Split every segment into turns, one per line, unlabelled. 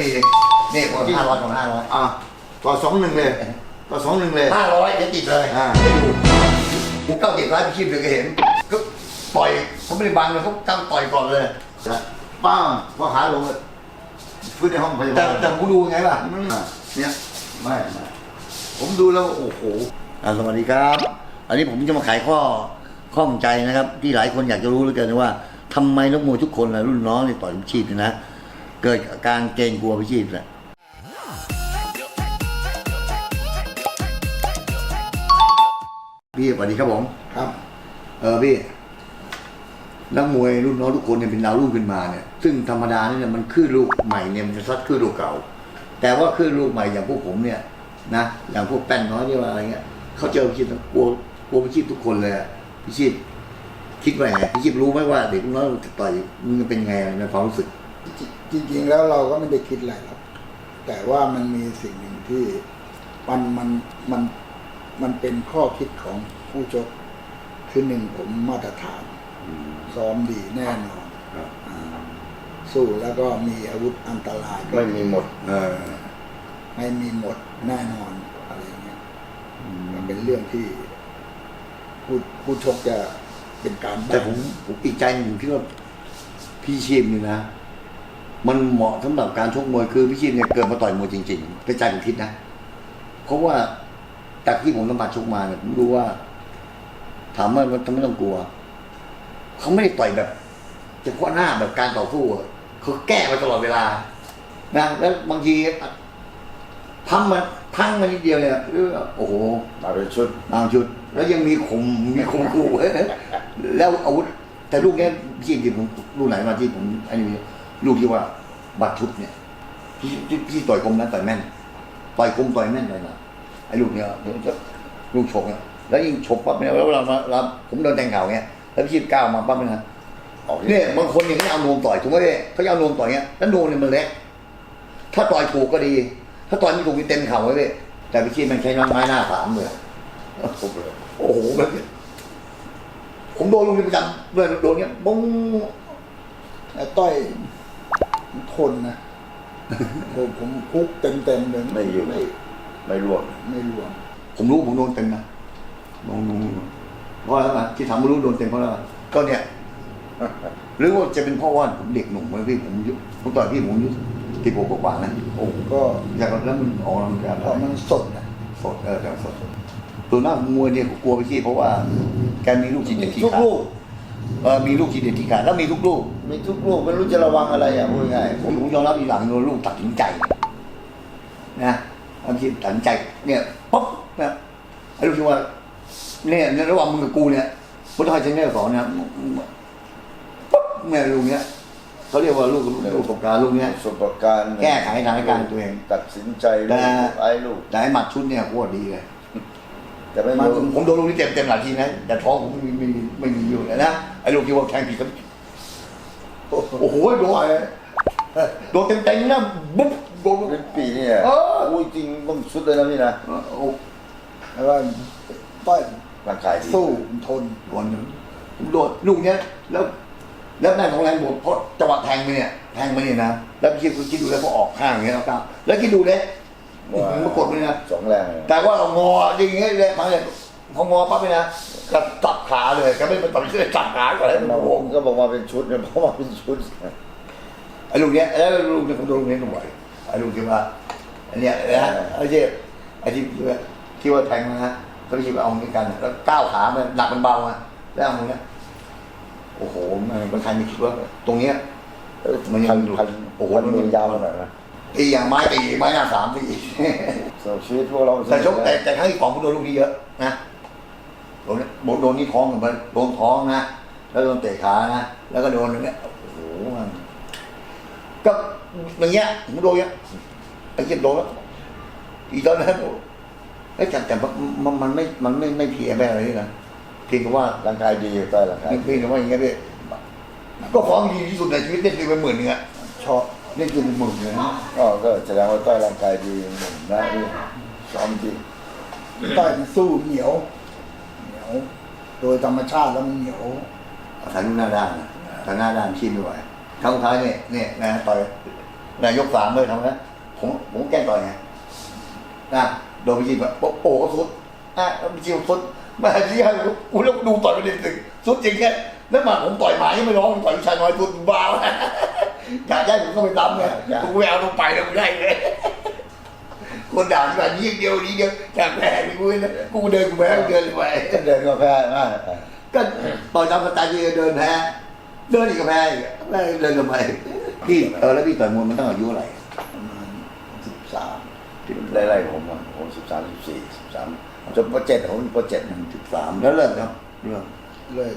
มีนี่ผม500ของ500
ต่อ2-1เลยต่อ2-1เลย
500จะติดเลยไม่ดูผมเก้าติดร้ายพี่ชีพเลยก็เห็นก็ต่อยเขาไม่ได้บังเลยเขาตั้งต่อยก่อนเลย
ป้าพอขาลงฟื้นในห้องพยาบาล
แต่ผมดูไงล่ะ
เนี่ยไม่ผมดูแล้วโอ้โห
สวัสดีครับอันนี้ผมจะมาไขข้องใจนะครับที่หลายคนอยากจะรู้เหลือเกินว่าทำไมนักมวยทุกคนรุ่นน้องในต่อยพิชิตนะเกิดอาการเกรงกลัวพิชิตแหละพี่สวัสดีครับผม
ครับ
พี่นักมวยรุ่นน้องทุกคนเนี่ยเป็นดาวรุ่งขึ้นมาเนี่ยซึ่งธรรมดาเนี่ยมันขึ้นลูกใหม่เนี่ยมันจะซัดขึ้นลูกเก่าแต่ว่าขึ้นลูกใหม่อย่างพวกผมเนี่ยนะอย่างพวกแป้นน้อยที่ว่าอะไรเงี้ยเขาเจอพิชิตกลัวพิชิตทุกคนเลยพิชิตคิดว่าไงพิชิตรู้ไหมว่าเด็กน้อยจะต่อยมันเป็นไงในความรู้สึก
จริงๆแล้วเราก็ไม่ได้คิดอะไรหรอกแต่ว่ามันมีสิ่งหนึ่งที่มันเป็นข้อคิดของผู้ชกคือหนึ่งผมมาตรฐานซ้อมดีแน่นอนสู้แล้วก็มีอาวุธอันตราย
ไม่มีหมด
ไม่มีหมดแน่นอนอะไรเงี้ยมันเป็นเรื่องที่ผู้ชกจะเป็นการ
แต่ผมอีกใจหนึ่งคิดว่าพี่ชีพนี่นะมันเหมาะสำหรับการชกมวยคือพี่ชีพเนี่ยเกิดมาต่อยมวยจริงๆเป็นใจผมคิดนะเพราะว่าจากที่ผมสัมผัสชกมาเนี่ยผมรู้ว่าถามว่าทำไมต้องกลัวเขาไม่ได้ต่อยแบบเฉพาะหน้าแบบการต่อสู้เขาแก้มาตลอดเวลานะแล้วบางทีพังมานิดเดียวเนี่ยโอ้โห
มาเป็นชุด
แล้วยังมีข่มขู่แล้วอาวุธแต่ลูกนี้ที่ผมลูกไหนมาที่ผมอันนี้ลูกที่ว่าบัดชุดเนี่ยพี่ต่อยคมนะต่อยแม่นต่อยคมต่อยแม่นเลยนะไอ้ลูกเนี้ยลูกฉกเนี่ยแล้วยิ่งฉกปั๊บเนี่ยแล้วเราผมโดนแทงเข่าเงี้ยแล้วพี่ก้าวมาปั๊บเนี่ยเนี่ยบางคนเนี่ยเขาเอานวมต่อยถูกไหมเนี่ยเขาเอานวมต่อยเงี้ยแล้วนวมเนี่ยมันเล็กถ้าต่อยถูกก็ดีถ้าต่อยไม่ถูกมีเต็มเข่าไว้เลยแต่พี่ชีมันใช้ไม้หน้า3เลยโอ้โหแบบผมโดนลูกนี้ประจำเลยโดนเงี้ยบ้ง
แต่ต้อยทนนะผมคุกเต็มเลย
ไม่อยู่ไม่ร่วง
ผมรู้ผมโดนเต็มนะลองดูเพราะอะไรที่ทำไม่รู้โดนเต็มเพราะอะไรก็เนี่ยหรือว่าจะเป็นเพราะว่าผมเด็กหนุ่มไหมพี่ผมต่อยพี่ผมอายุ16กว่านะโอ้ก็อยากแล้วมันออกกำลังกาย
เพราะมันสดนะ
สดแต่สดตัวหน้ามวยเนี่ยกลัวไปที่เพราะว่าแกมีลูกทีเด็ดที่ขามีลูกทีเด็ดที่ขาแล้วมีทุกลูก
ไม่รู้จะระวังอะไรพูดง่าย
ผมยอมรับอีกหลังโดนลูกตัดสินใจนะบางทีตัดสินใจเนี่ยปุ๊บนะไอ้ลูกที่ว่าเนี่ยในระหว่างมึงกับกูเนี่ยพุทธไทยเชนเนอร์สอนนะปุ๊บเนี่ยลูกเนี้ยเขาเรียกว่าลูกประสบการณ์ลูกเนี้ย
ประสบการณ์
แก้ไขสถานการณ์ตัวเอง
ตัดสินใจไอ้ลูก
แต่ไอ้หมัดชุดเนี่ยโคตรดีเลย
แต่ไม่
ผมโดนลูกนี้เต็มหลายทีนะแต่ท้องผมไม่มีอยู่เลยนะไอ้ลูกที่ว่าแทงผิดก็โอ้โหโดนเต็มนะบุ๊บโดน
เป็นปีเนี่ยอุ้ยจริงต้องชุดเลยนะพี่นะ
แล้วก็ต้อย
ร่างกาย
สู้ทน
ผมโดนลูกเนี้ยแล้วแม่ของแรงบวกเพราะจังหวะแทงไปเนี่ยนะแล้วพี่คิดดูแล้วพอออกข้างอย่างเงี้ยแล้วคิดดูเลยมันกดเลยนะ
2แรง
แต่ว่าเรางออย่างเงี้ยเลยมาเลยพองอปั๊บเลยนะก็จับขาเลยก็ไม่เป็นตัดเชือกจับขาก่อนแล้ว
ผมก็บอกว่าเป็นชุดเนี่ยเพราะว่าเป็นชุด
ไอ้ลูกเนี้ยแล้วลูกเนี่ยผมโดนลูกนี้หน่อยไอ้ลูกที่ว่าอันเนี้ยนะไอ้ที่ว่าแทงนะเขาคิดว่าเอาเหมือนกันแล้วก้าวขามันหนักมันเบาอ่ะแล้วเอาเนี้ยโอ้โหมันใครไม่คิดว่าตรงเนี้ย
มันโอ้โหมันยาวขนาดนั้น
ตีอย่างไม้หน้า3ตี
ชีวิตพวกเรา
แต่ชกแต่ครั้งที่2ผมโดนลูกนี้เยอะนะโดนนี่ท้องเหมือนโดนท้องนะแล้วโดนเตะขานะแล้วก็โดนอย่างเงี้ยโอ้โหก็อย่างเงี้ยผมโดนเงี้ยไอ้เจ็บโดนแล้วอีตอนนั้นแต่มันไม่เพียแม่อะไรนี่นะเพียงแต่ว่า
ร่างกายดีใต้ร่างกาย
เพียงแต่ว่าอย่างเงี้ยพี่ก็ฟ้องดีที่สุดในชีวิตเล่นไป10,000นึงอ่ะชอบเล่นเป็น10,000เลยนะ
ก็แสดงว่าใต้ร่างกายดีหนุ่มนะนี่ซ้อมจริง
ใต้สู้เหนียวโดยธรรมชาติแล้วมันเหนียว
ทางหน้าด้านชีพไม่ไหวครั้งท้ายเนี่ยนะต่อยนายกสามเลยทำนะผมแกล้งต่อยไงนะโดนไปยิงแบบโอ้สุดไปยิงสุดมาที่ให้กูแล้วดูต่อยไปเด็กสุดจริงแค่แล้วมาผมต่อยหมายังไม่ร้องต่อยชายน้อยสุดบ้าอยากได้ผมก็ไปตำไงกูไม่เอาลงไปแล้วกูได้เลยคนด่าที่แบบนี้เดียวจากแพ้กูเลยกูเดินกูแพ้เดินไป
เดินก็แพ้มาก
ก็ต่อยตามสไตล์ที่เดินแพ้เดินอีกก็แพ้อีกไม่เดินทำไมพี่แล้วพี่ต่อยมวยมันต้องอายุอะไร
ประมาณ13
ไล่ๆผม13 14 13จนป .7 ผมป .7
13แล้วเริ่มครับเริ่ม
เลิก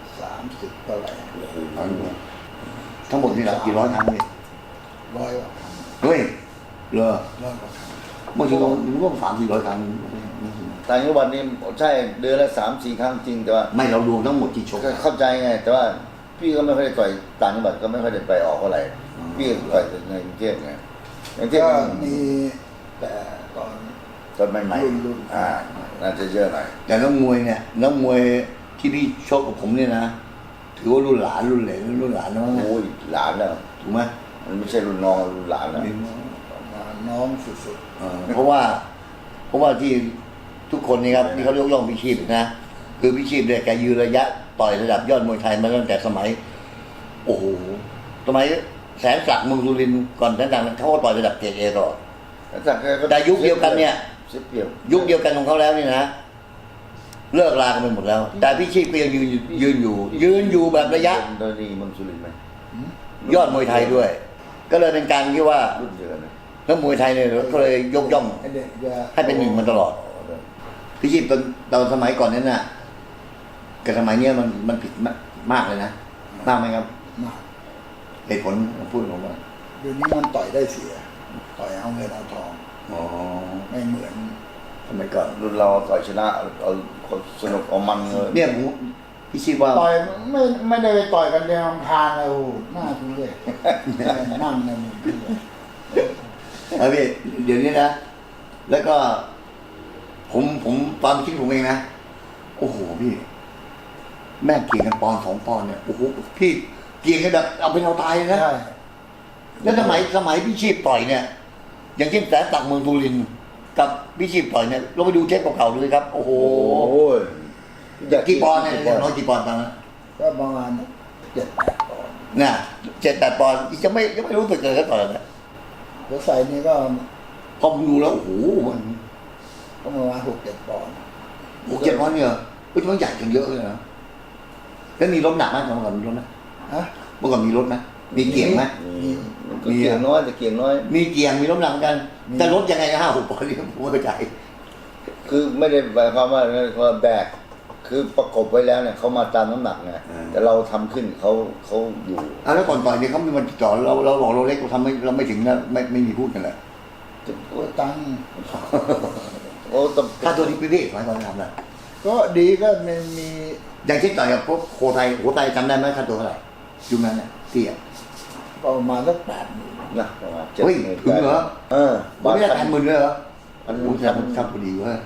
30เท่าไหร่
ทั้งหมดนี่แหละกี่ร้อยครั้งนี่
ร้อยกว่าครั้ง
เฮ้ยเหรอ
ร้อยกว่าครั้ง
บางทีเราร่วม300-400 ครั้ง
ต่างจังหวัดนี่ใช่เดือนละ3-4 ครั้งจริงแต่ว่า
ไม่เรารวมทั้งหมดที่ชก
ก็เข้าใจไงแต่ว่าพี่ก็ไม่ค่อยได้ต่อยต่างจังหวัดก็ไม่ค่อยได้ไปออกเท่าไหร่พี่ต่อยแต่ในกรุงเทพไงในกรุงเทพ
ก็
มัน
มีแต่ตอน
ตอนใหม่
รุ่น
ๆน่าจะเยอะหน่อย
แต่นักมวยเนี่ยนักมวยที่พี่ชกกับผมเนี่ยนะถือว่ารุ่นหลานรุ่นเหลนรุ่นหลานน้องนะ
โอ้ยหลานแล้ว
ถูกไหม
มันไม่ใช่รุ่นน้องรุ่นหลานแล้ว
ประมาณน้องสุด
เพราะว่าที่ทุกคนนี่ครับที่เขายกย่องพิชิตนะคือพิชิตเนี่ยแกยืนระยะต่อยระดับยอดมวยไทยมาตั้งแต่สมัย โอ้โหสมัยแสนศักดิ์เมืองสุรินทร์ก่อนแสนศักดิ์เขาก็ต่อยระดับเกรดเอตลอดแต่ยุคเดียวกันเนี่ย
เสียเปรียบ
ยุคเดียวกันของเขาแล้วนี่นะเลิกลากันไปหมดแล้ว แต่พิชิตก็ยังยืนอยู่แบบระยะ
โดยนี่เมืองสุรินทร์ไหม
ยอดมวยไทยด้วย ก็เลยเป็นการที่ว่า
รุ่นเดียวกันนะ
นักมวยไทยเนี่ยก็เลยยกย่อง
ๆไอ้เด็กจะ
ให้เป็นหนึ่งมาตลอด พิชิตตอนสมัยก่อนนั้นน่ะกับสมัยเนี้ยมันผิดมากเลยนะมากไหมครับ
มาก
เหตุผลพูดผมว่า
เดี๋ยวนี้มันต่อยได้เสีย ต่อยเอาเงินเอาทอง
อ๋อ
ไม่เหมือน
สมัยก่อน
รุ่นเราต่อยชนะเอาสนุกเอามันเลย
เนี่ยผมพิชิตว่า
ต่อยไม่ได้ไปต่อยกันในลำธารเลยโอ้โหหน้าทุเรศนั่งในมุมที่เลย
พี่เดี๋ยวนี้นะ แล้วก็ ผมตอนคิดผมเองนะโอ้โหพี่ แม่งเกี่ยงกันปอนด์2 ปอนด์เนี่ยโอ้โหพี่เกี่ยงกันแบบเอาเป็นเอาตายเลยนะ
ใช่
แล้วสมัยพี่ชีพต่อยเนี่ย อย่างเช่นแสนศักดิ์เมืองสุรินทร์กับพี่ชีพต่อยเนี่ยเราไปดูเทปเก่าๆดูเลยครับ โอ้โห
โอ้ย
กี่ปอนด์เนี่ยน้อยกี่ปอนด์ตอนนั้น
ก็ประมาณ7-8 ปอนด์
น่ะ7-8 ปอนด์ยังไม่รู้สึกเลยก็ต่อยนะ
แล้วใส่นี่ก็
พอผมดูแล้วโอ้โหมัน
ประมาณ6-7 ปอนด์
7 ปอนด์เนี่ยมันใหญ่กันเยอะเลยนะแล้วมีรถหนักไหมเมื่อก่อนมีรถไหม
ฮะ
เมื่อก่อนมีรถไหมมีเกียงไหม
ก็เกียงน้อยแต่เกียงน้อย
มีเกียงมีรถหนักเหมือนกันแต่รถยังไงนะ5-6 ปอนด์นี่ผมไม่เข้าใจ
คือไม่ได้หมายความว่าแบกคือประกบไว้แล้วเนี่ยเขามาตามน้ำหนักไงแต่เราทำขึ้นเขาอยู่
แล้วก่อนต่อยเนี่ยเขามีมันจ่อเราบอกเราเล็กเราทำเราไม่ถึงนะไม่มีพูดกันเลย
ตัวตังค์
โอ้ต้อง
ค่าตัวนี้พี่สมัยก่อนทำนะ
ก็ดีก็มันมี
อย่างเช่นต่อยกับพวกโคไทยจำได้ไหมค่าตัวเท่าไหร่ยุคนั้นเนี่ยที่อ่ะ
ประมาณสัก80,000
นะประมาณ
เฮ้ยถึงเหรอ
บาท
ไม่ได้80,000เลยเหรอ
พัน
โอ้โหทำพอดีเว้ย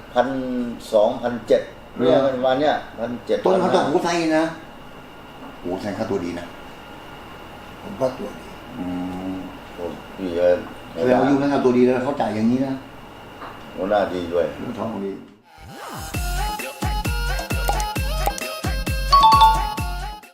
1,200 1,700เนี่ยประมาณเนี้ย1,700
ต้นค่าตัวโคไทยนะโอ้โหแทนค่าตัวดีนะ
ผมก็ตัวดี
โอ้พี่
แสดงว่ายุคนั้นค่าตัวดีแล้วเขาจ่ายอย่างนี้นะ
โอ้หน้าดีด้วย
ท้องดี